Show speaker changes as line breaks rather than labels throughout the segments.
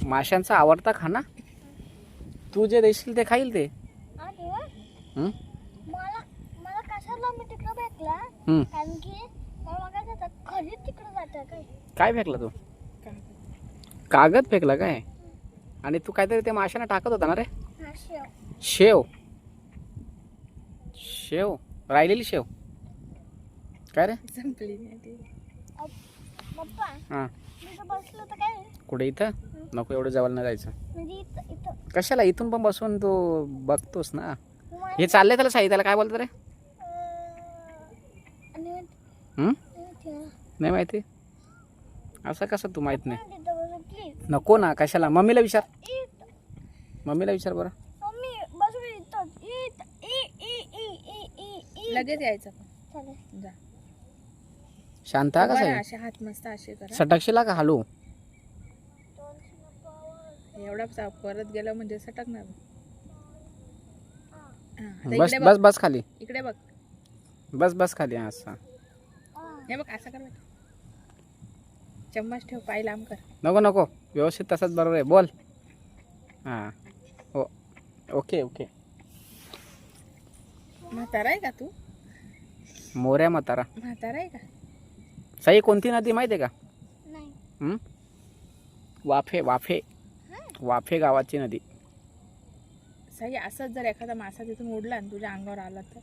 माशांचा आवडता खाना तू जे देशील ते खाईल ते. हं?
मला मला कशाला मी तिकडे भेटला
हं.
कारण की मला काय जातं खरी तिकडे जातं काय
काय फेकला तू? कागद फेकला काय? आणि तू काहीतरी ते माशांना टाकत होता ना रे?
हा शेव
शेव. शेव राहिलेली शेव काय रे?
संपली नाही ती.
पप्पा
हां
मी तर बसलो तर काय
कुठे इथं? नको एवढं जवळ नाही जायचं.
म्हणजे इथं इथं
कशाला इथून पण बसून तू बघतोस ना.
तुम्हाला-
हे चाललंय त्याला साई त्याला काय बोलतं रे?
आणि
हं?
इथं
नाही माहिती. असं कसं तू माहित नाही?
तिथं बसून प्लीज
नको ना कशाला. मम्मीला विचार.
इथं
मम्मीला विचार बरं.
मम्मी बसून इथं इथं इ इ इ इ इ इ
लगेच यायचं
चालेल
जा.
शांत हा
बरं,
कसा
असे हात मस्त असे करा.
सटकशीला का हलू?
एवढा परत गेलं म्हणजे सटकणार. हा, आता
बस
इकडे
बस
बघ.
बस खाली.
इकडे बघ.
बस बस खाली. हा असं
हे बघ असं कर बेटा. चम्मच ठेव, पाय लांब कर.
नको नको व्यवस्थित तसंच बरोबर आहे. बोल. हां हो ओके ओके.
म्हातारा आहे का तू?
मोऱ्या म्हातारा.
म्हातारा आहे का?
साई कोणती नदी माहिती आहे का?
नाही
हं? वाफे वाफे वाफे गावाची नदी.
साई असंच जर एखादा मासा तिथून उडला आणि तुझ्या अंगावर आला तर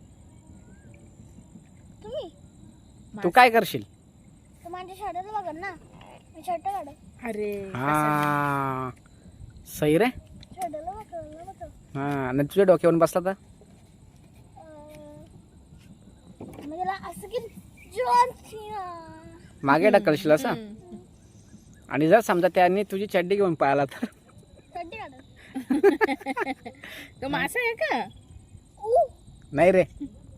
तुम्ही
तू काय करशील?
तर माझ्या शर्टाचं बघा ना मी शर्ट काढ
अरे
हा सही रे.
शर्टाला बघ
हा आणि तुझ्या डोक्यावरून बसला तर
म्हणजे त्याला असं की जॉन सीना
मागे ढकलशील असं.
हम्म.
आणि जर समजा त्यांनी तुझी चड्डी घेऊन पळाला तर
चड्डी काढ
तो मासा आहे का?
नाही रे.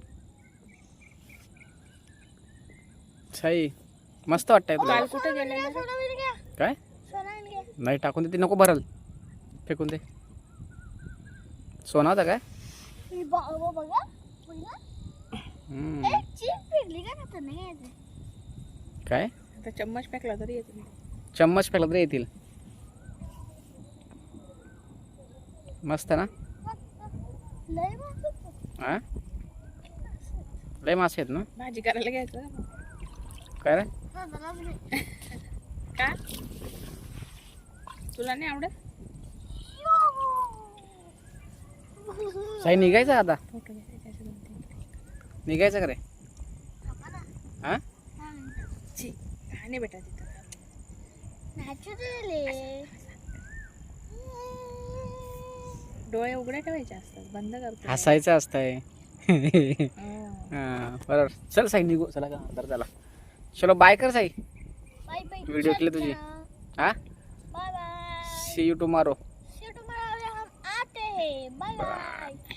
सही मस्त वाटतंय तुला.
काल कुठे गेलेला?
सोना मिल गया
काय
सोना मिल गया
नाही टाकून दे ते. नको भरल फेकून दे. सोना होता काय?
ही बघा बघा
हम्म.
एक चीप फिरली का ना तर नाही यायचं
काय
आता चम्मच फेकला तरी येत नाही.
चम्मच फेकला तरी येतील. मस्त ना.
लय मस्त
हा लय मासे आहेत ना.
भाजी करायला घ्यायचं
काय रे?
हा मला बी
का? तुला नाही आवडत?
साई निघायचं आता.
फोटो घ्यायचे असे 2-3.
निघायचं का रे? हा
छी, आणि बेटा तिथं
नॅचरल
डोळे उघडे ठेवायचे असतात, बंद करतो.
हसायचं असतंय.
हो.
हा बरोबर. चल साई निघू. चला का अंदर चला. चलो बाय कर साई.
बाय बाय
व्हिडिओ केले तुझे. हा
bye bye
see you tomorrow.
See you tomorrow हम आते हैं बाय बाय